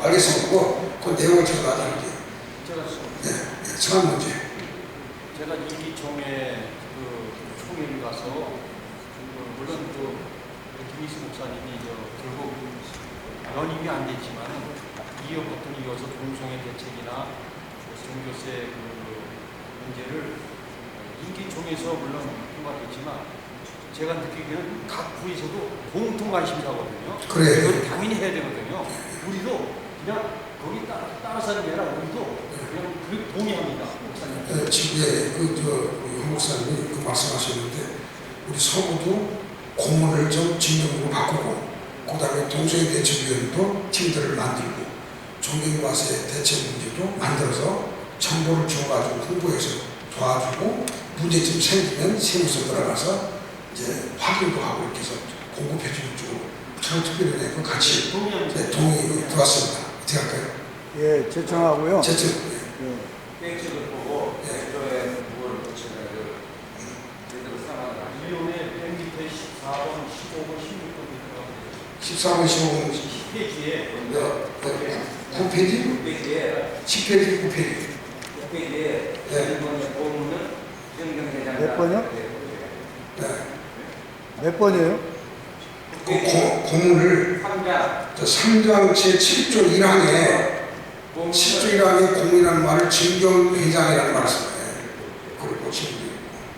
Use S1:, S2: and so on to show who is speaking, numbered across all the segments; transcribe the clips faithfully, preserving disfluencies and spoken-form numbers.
S1: 알겠습니다. 그, 그 내용을 제가 나중에.
S2: 제가
S1: 네, 네, 처음 문제.
S2: 제가 이기총회 그 총회를 가서 그 물론 그 김희수 목사님이 저 결국 연임이 안 됐지만은 이어 버튼 이어서 동성애 대책이나 종교세 그 문제를 이기총회에서 물론 통과됐지만 제가 느끼기에는 각 부에서도 공통 관심사거든요.
S1: 그래요.
S2: 이걸 당연히 해야 되거든요. 우리도 그냥 거기 따라, 따라서 하는 게 아니라 우리도 그냥 그 동의합니다. 목사님.
S1: 네, 지금 예, 그, 저, 현 목사님이 그 말씀하셨는데, 우리 서구도 공문을 좀 진정으로 바꾸고, 그 다음에 동성애 대책위원회도 팀들을 만들고, 존경과세 대책 문제도 만들어서 정보를 줘가지고 홍보해서 도와주고, 문제점 생기면 세무서 들어가서 이제 확인도 하고 이렇게 해서 공급해주는 쪽으로 창특별위원회도 같이 네, 동의 들어왔습니다. 어떻게 할까요?
S3: 예, 제청하고요.
S1: 제청.
S3: 예.
S4: 계획책을 보고
S1: 예.
S4: 제도에 무엇을 붙이는 그 제대로 상황을 하시고
S2: 이용의 백 밑에 십사 번, 십오 번, 십육 번
S1: 십사 번, 십오 번,
S2: 십 페이지에
S1: 구 페이지?
S4: 육 페이지에
S1: 십 페이지, 구 페이지.
S4: 육 페이지에
S1: 예.
S4: 일본의 보험은 정경대장
S3: 몇 번이요?
S1: 네.
S3: 몇 번이에요?
S1: 그 고, 고문을
S4: 삼 장
S1: 삼 장 제칠 조 일 항에 칠 조 일 항에 공이라는 말을 진경회장이라는 말을 써요. 그걸 고치면 되고.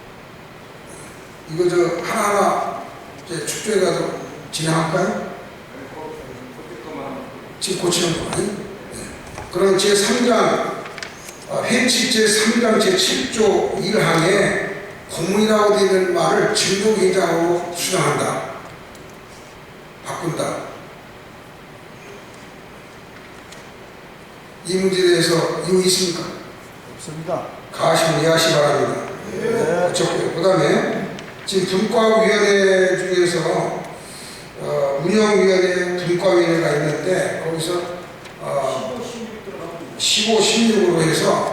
S1: 이거 저 하나하나 이제 축조해가지고 진행할까요? 지금 고치는 거 아니? 네. 그럼 제삼 장 어, 회칙 제삼 장 제칠 조 일 항에 공문이라고 되어 있는 말을 진경회장으로 수정한다. 바꾼다. 이 문제에 대해서 이유 있습니까?
S3: 없습니다.
S1: 가시면 이해하시 바랍니다.
S3: 네.
S1: 그 다음에 지금 분과위원회 중에서 어, 운영위원회 분과위원회가 있는데 거기서 어, 십오, 십육으로 해서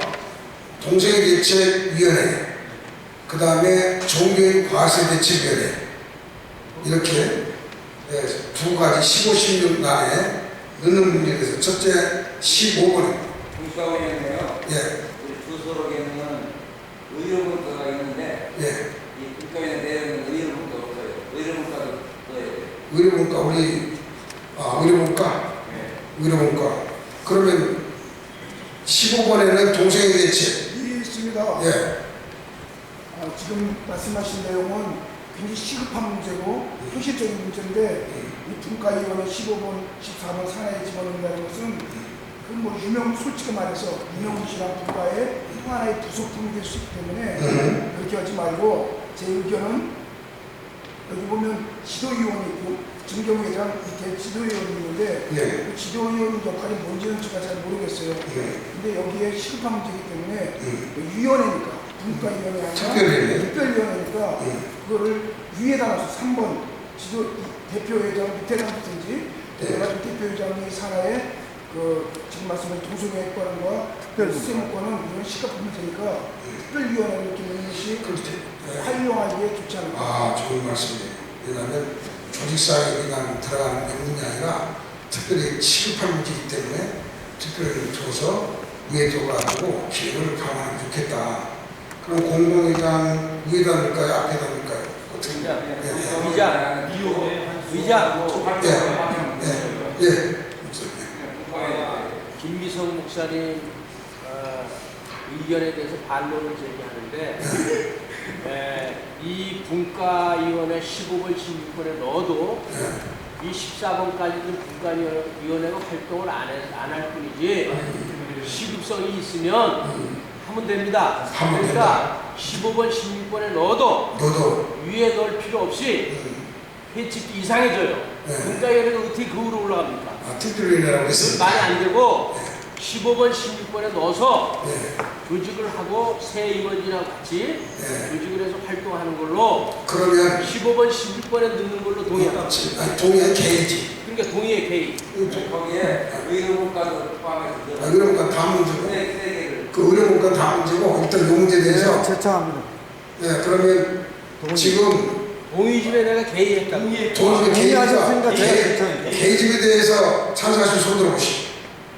S1: 동성애대책위원회 그 다음에 종교인 과세대책위원회 이렇게 네, 두 가지 십오, 십육 안에 넣는 문제에 대해서 첫째 십오 번에
S4: 분과위원회요.
S1: 예,
S4: 우리 주소록에는 의료문과가 있는데
S1: 예,
S4: 이 분과위원회 내에는 의료문과 없어요. 의료문과도 넣어야 돼요.
S1: 의료문과 우리 아 의료문과
S4: 네.
S1: 의료문과 그러면 십오 번에는 동성애 대책
S3: 이 있습니다.
S1: 예,
S3: 아, 지금 말씀하신 내용은 굉장히 시급한 문제고 현실적인 문제인데 이 분과위원회 십오 번, 십사 번 산하에 집어넣는다는 것은 그 뭐 유명 솔직히 말해서 유명무실한 분과의 또 하나의 부속품이 될 수 있기 때문에
S1: 음.
S3: 그렇게 하지 말고 제 의견은 여기 보면 지도위원이 있고 정경회장 밑에 지도위원이 있는데
S1: 예,
S3: 그 지도위원 역할이 뭔지는 제가 잘 모르겠어요.
S1: 예,
S3: 근데 여기에 시급한 문제이기 때문에
S1: 음.
S3: 위원회니까 분과위원회 아니라
S1: 특별위원회.
S3: 특별위원회니까
S1: 음.
S3: 그거를 위에다 놔서 삼 번 지도 대표회장 밑에다 놓든지 그래가지고 대표회장이 산하에 그 지금 말씀하신 동성애권과 특별수사권은 이런 시급한 문제니까 특별위원회를 이렇게 넣는 것이
S1: 그렇지. 예.
S3: 활용하기에 좋지 않을까.
S1: 아, 좋은 말씀이에요. 왜냐하면 조직사에 그냥 들어가는 명분이 아니라 특별히 시급한 문제이기 때문에 특별히 줘서 위에 둬가지고 기획을 강화하면 좋겠다. 그럼 공공회장 위에다 넣을까요? 앞에다 넣을까요? 어떻게?
S2: 의장,
S1: 예,
S2: 의장, 이용의 의장,
S1: 예, 예, 예.
S5: 김미성 목사님 어, 의견에 대해서 반론을 제기하는데 에, 이 분과위원회 십오 번, 십육 번에 넣어도 이 십사 번까지는 분과위원회가 활동을 안 할 뿐이지 시급성이 있으면 하면 됩니다.
S1: 하면
S5: 그러니까 십오 번, 십육 번에 넣어도
S1: 너도
S5: 위에 넣을 필요 없이 회칙도 이상해져요.
S1: 네.
S5: 분과위원회가 어떻게 그 위로 올라갑니까?
S1: 아, 특별위원회라고
S5: 그건
S1: 했습니다.
S5: 말이 안 되고 십오 번, 십육 번에 넣어서
S1: 네,
S5: 조직을 하고 새 임원진하고 같이
S1: 네.
S5: 조직을 해서 활동하는 걸로
S1: 그러면
S5: 십오 번, 십육 번에 넣는 걸로 동의합니다.
S1: 아니, 동의한 개이지.
S5: 그러니까 동의의 개의.
S4: 거기에 의료문과도 포함해서
S1: 아, 의료문과 다 문제고,
S4: 세, 세 개를
S1: 그 의료문과 다 문제고, 일단 요 문제에 대해서,
S3: 제청합니다.
S1: 네, 그러면
S3: 동의.
S1: 지금
S5: 동의 집에 내가 개의했다.
S1: 동의
S3: 동의하셨으니까
S1: 개이지가
S3: 제가 제청입니다.
S1: 개이집에 대해서 찬성하시면 손 들어보시오.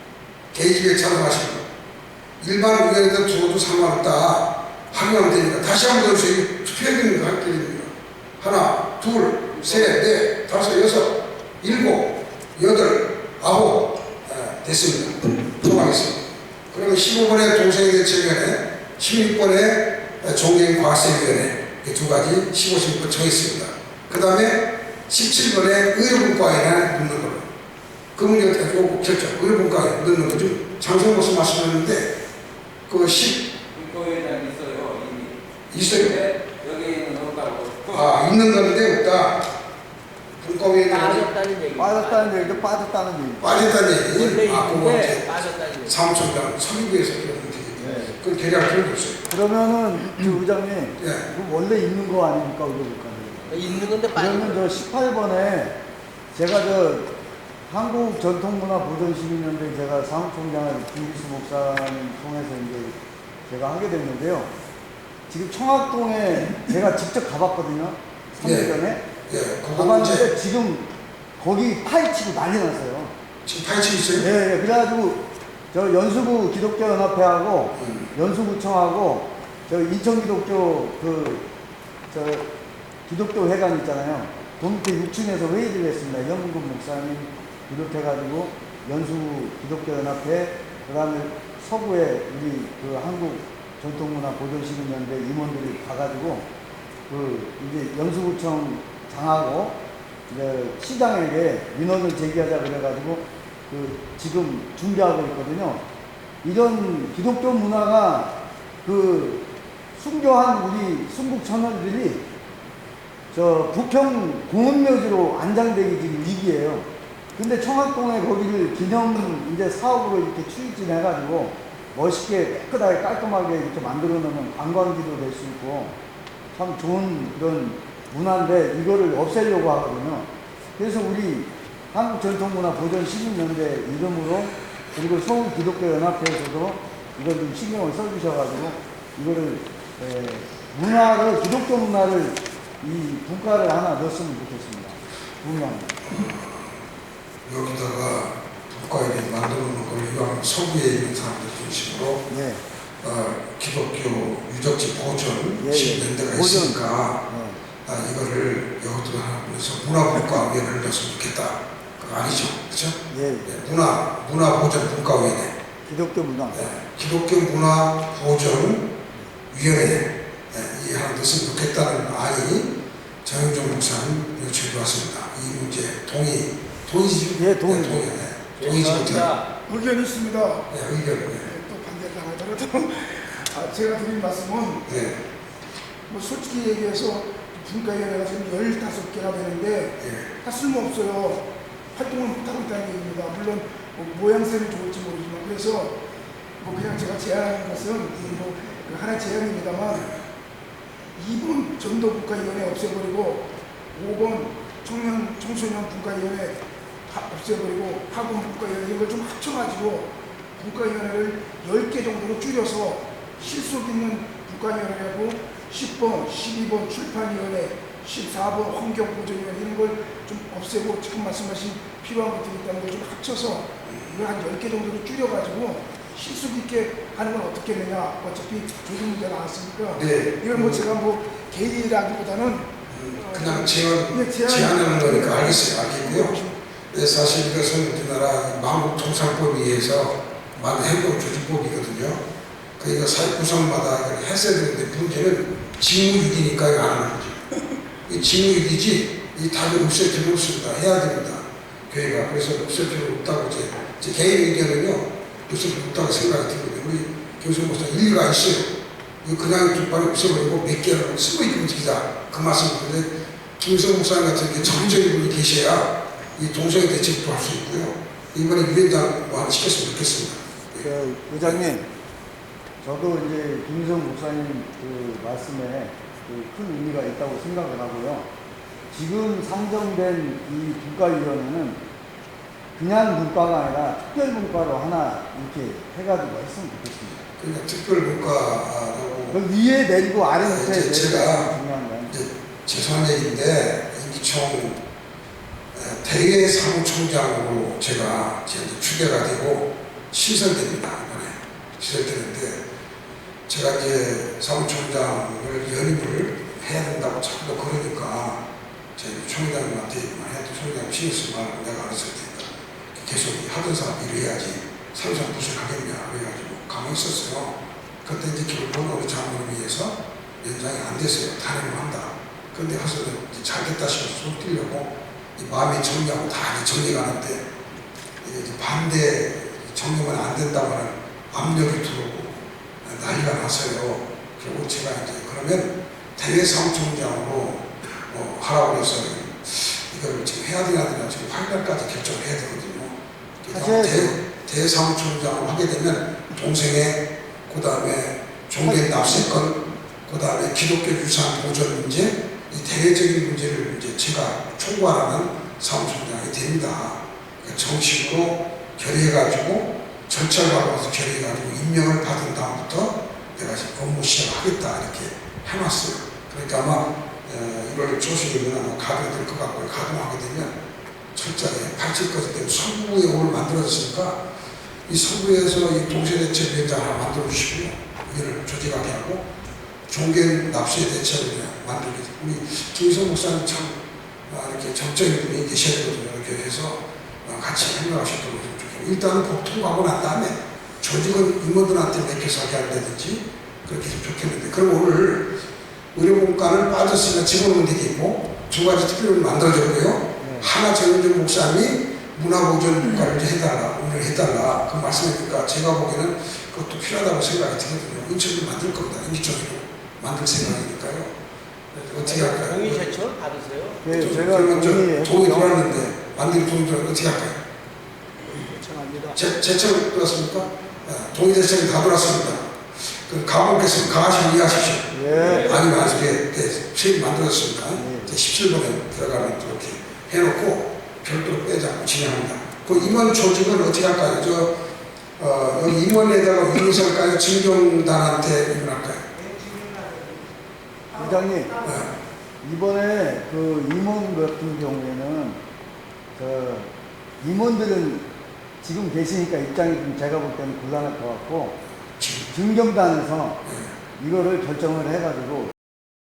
S1: 개인집에 찾아가시고 일반 의견에다 두어도 상관없다 확인하면 되니까 다시 한번 더 투표해야 되는 거 할 길입니다. 하나, 둘, 셋, 넷, 다섯, 여섯, 일곱, 여덟, 아홉 아, 됐습니다. 통과했습니다. 그리고 십오 번의 동생대책위원회, 십육 번의 종교과학생위원회 이 두 가지 십오, 십육 번 정했습니다. 그 다음에 십칠 번의 의료분과에 넣는 걸로 그 문제가 꼭 결정, 의료분과에 넣는 거죠. 장성모스 말씀하셨는데 그 십
S4: 국고위원장 있어요. 이미.
S1: 있어요.
S4: 네, 여기는 없다고.
S1: 아 있는 건데 없다. 분과위원장이
S5: 빠졌다는 얘기.
S3: 빠졌다는 얘기도 빠졌다는 얘기.
S1: 빠졌다는
S5: 원래
S1: 얘기. 아 그거
S5: 있는데
S1: 이제
S5: 빠졌다는 얘기.
S1: 사무총장 서기부에서 그런 문제죠.
S3: 네.
S1: 그건 결의할 필요가 없어요.
S3: 그러면은 그 의장님,
S1: 예.
S3: 그 원래 있는 거 아닙니까 의료국가는?
S5: 있는 건데 빠진
S3: 그러면
S5: 거.
S3: 저 십팔 번에 제가 저 한국 전통문화 보존시민연대 제가 사무총장을 김기수 목사님 통해서 이제 제가 하게 됐는데요. 지금 청학동에 제가 직접 가봤거든요. 삼 년
S1: 예.
S3: 전에.
S1: 예, 그건
S3: 가봤는데
S1: 이제
S3: 지금 거기 파헤치고 난리 났어요.
S1: 지금 파헤치고 있어요.
S3: 예, 예. 그래가지고 저 연수구 기독교연합회하고
S1: 음.
S3: 연수구청하고 저 인천기독교 그 저 기독교 회관 있잖아요. 그 밑에 육 층에서 회의를 했습니다. 현근금 목사님 비롯해가지고 연수구 기독교연합회, 그 다음에 서구에 우리 그 한국 전통문화 보존시민연대 임원들이 가가지고 그 이제 연수구청 장하고 이제 시장에게 민원을 제기하자 그래가지고 그 지금 준비하고 있거든요. 이런 기독교 문화가 그 순교한 우리 순국 천원들이 저 부평 공원묘지로 안장되기 지금 위기예요. 근데 청학동에 거기를 기념 이제 사업으로 이렇게 추진해가지고 멋있게 깨끗하게 깔끔하게 이렇게 만들어 놓으면 관광지도 될 수 있고 참 좋은 그런 문화인데 이거를 없애려고 하거든요. 그래서 우리 한국전통문화보존시민연대 이름으로 그리고 서울기독교연합회에서도 이걸 좀 신경을 써주셔가지고 이거를 에, 문화를 기독교 문화를 이 분과를 하나 넣었으면 좋겠습니다. 분명합니다.
S1: 여기다가 국가에 만들어 놓은 걸 이왕 서구에 있는 사람들 중심으로
S3: 예.
S1: 어, 기독교 유적지 보존
S3: 예, 예.
S1: 시민연대가
S3: 보존.
S1: 있으니까
S3: 예.
S1: 아, 이거를 여기도 하나 그래서 문화분과위원회를 넣었으면 좋겠다. 그거 아니죠, 그렇죠?
S3: 예.
S1: 네, 문화 문화보존분과위원회,
S3: 기독교 문화.
S1: 네, 기독교 문화보존위원회 네, 이 하나 넣었으면 좋겠다는 안이 정영종 목사님 요청이 왔습니다. 이 문제 동의 동의지?
S3: 예, 동의.
S1: 네, 동의. 네, 동의지 못해.
S5: 죄송합니다.
S3: 의견이 있습니다.
S1: 네, 의견. 네.
S3: 또 반대를 당하더라도 아, 제가 드린 말씀은
S1: 네,
S3: 뭐 솔직히 얘기해서 분과위원회가 지금 열다섯 개가 되는데
S1: 네.
S3: 다 쓸모없어요. 활동을 못하고 있다는 얘기입니다. 물론 뭐 모양새는 좋을지 모르지만 그래서 뭐 그냥 제가 제안하는 것은 뭐 하나의 제안입니다만 이 번 전도분과위원회 없애버리고 오 번 청년, 청소년 분과위원회 없애버리고 학원 분과위원회 이걸 좀 합쳐가지고 분과위원회를 열 개 정도로 줄여서 실속 있는 분과위원회하고 십 번, 십이 번 출판위원회, 십사 번 환경보존위원회 이런 걸 좀 없애고 지금 말씀하신 필요한 것들이 있다는 걸 좀 합쳐서 이걸 한 열 개 정도로 줄여가지고 실속 있게 하는 건 어떻겠느냐. 어차피 조정 문제 나왔으니까
S1: 네.
S3: 이걸 뭐 제가 뭐 개인이라기보다는
S1: 음, 그냥 제안,
S3: 네, 제안-
S1: 제안하는 거니까 알겠어요. 알겠고요. 네, 사실 이것은 우리나라 마국통상법에 의해서 만든 행정조직법이거든요. 그러니까 사회 구성마다 했어야 되는데 문제는 직무유기니까 이거 안 하는 거죠. 이 직무유기지 이 답이 없을 필요 없습니다. 해야 됩니다. 교회가. 그래서 없을 필요 없다고 제, 제 개인 의견은요. 없을 필요 없다고 생각이 들거든요. 우리 교수님 목사 일리가 있어요. 이거 그냥 뒷발이 없애버리고 몇 개를 쓰고 있는 움직이자. 그 말씀인데 김성 목사님 같은 게 적극적인 분이 계셔야 이 동성애 대책도 할 수 있고요. 이번에 위원장 뭐 하나 시켰으면 좋겠습니다.
S3: 그 의장님, 저도 이제 김성 목사님 그 말씀에 그 큰 의미가 있다고 생각을 하고요. 지금 상정된 이 분과위원회는 그냥 분과가 아니라 특별 분과로 하나 이렇게 해가지고 했으면 좋겠습니다.
S1: 그러니까 특별문과라고
S3: 그 위에 내리고 아래 밑에
S1: 제-
S3: 내리고
S1: 제가
S3: 중요한 건.
S1: 이제 죄송한 얘기인데 임기총 대외 사무총장으로 제가 이제 추대가 되고 시설됩니다. 이번에 시설되는데 제가 이제 사무총장을 연임을 해야 된다고 자꾸 그러니까 저희 총장님한테 해도 총장님 신경 쓰지 말고 내가 알아서 할 테니까 계속 하던 사람 일을 해야지 삼성 무슨 하겠냐 그래가지고 가만히 있었어요. 그때 이제 결국은 우리 장관을 위해서 연장이 안 됐어요. 탄핵을 한다. 근데 와서는 잘 됐다 싶어서 좀 뛰려고 이 마음이 정리하고 다 이제 정리가 하는데 이게 이제 반대 정리만 안 된다고 하는 압력이 들어오고 난리가 났어요. 그리고 제가 이제 그러면 대외사무총장으로 어, 하라고 해서 이걸 지금 해야 되나 되나 지금 팔 일까지 결정을 해야 되거든요. 그러니까 대, 대사무총장으로 하게 되면 동생의 그 다음에 종교 납세권 그 다음에 기독교 유산 보존 문제 이 대외적인 문제를 이제 제가 총괄하는 사무총장이 됩니다. 그러니까 정식으로 결의해가지고 절차를 밟아서 결의해가지고 임명을 받은 다음부터 내가 지금 업무 시작하겠다 이렇게 해놨어요. 그러니까 아마 이월 초순이면 아마 가동될 것 같고요. 가동하게 되면 철저하게 팔십까지 되면 서부에 오늘 만들어졌으니까 이 서부에서 이 동시대책위원장 하나 만들어주시고요. 이걸 조직하게 하고 종교 납세 대책을 만들게 되고 우리 김희성 목사님 참 아, 이렇게 정적인 분이 계셔야 되거든요. 이렇게 해서 아, 같이 행동하셨던 것좀 좋겠고 일단은 법 통과하고 난 다음에 조직은 임원들한테 맡겨서 하게 한다든지 그렇게 좀 좋겠는데 그럼 오늘 의료공과는 빠졌으니까 집어넣는 되겠고 두 가지 특별을 만들어졌고요. 네. 하나 정윤준 목사님이 문화보존국가를 이제 해달라, 오늘 해달라 그 말씀이니까 제가 보기에는 그것도 필요하다고 생각이 들거든요. 인천도 만들 겁니다. 인천으로 만들 생각이니까요. 어떻게 할까요?
S5: 동의 제청을 받으세요?
S6: 네,
S1: 저,
S6: 제가
S1: 그러면 저
S6: 동의해
S1: 동의 들어왔는데 만들 동의 들어왔는데 어떻게 할까요?
S6: 요청합니다.
S1: 제, 제청 들어왔습니까? 네, 동의 제청이 다 들어왔습니다. 그 가공께서 가하시면 이해하십시오.
S6: 예.
S1: 아니면 아직 세입 만들었습니다.
S6: 네.
S1: 십칠 번에 들어가면 이렇게 해놓고 별도로 빼지 않고 진행합니다. 그 임원 조직은 어떻게 할까요? 저, 어, 여기 임원에다가 윤석까지 진경단한테 임원할까요?
S6: 부장님,
S1: 네.
S6: 이번에 그 임원 같은 경우에는 그 임원들은 지금 계시니까 입장이 좀 제가 볼 때는 곤란할 것 같고
S1: 지금.
S6: 중경단에서
S1: 네.
S6: 이거를 결정을 해가지고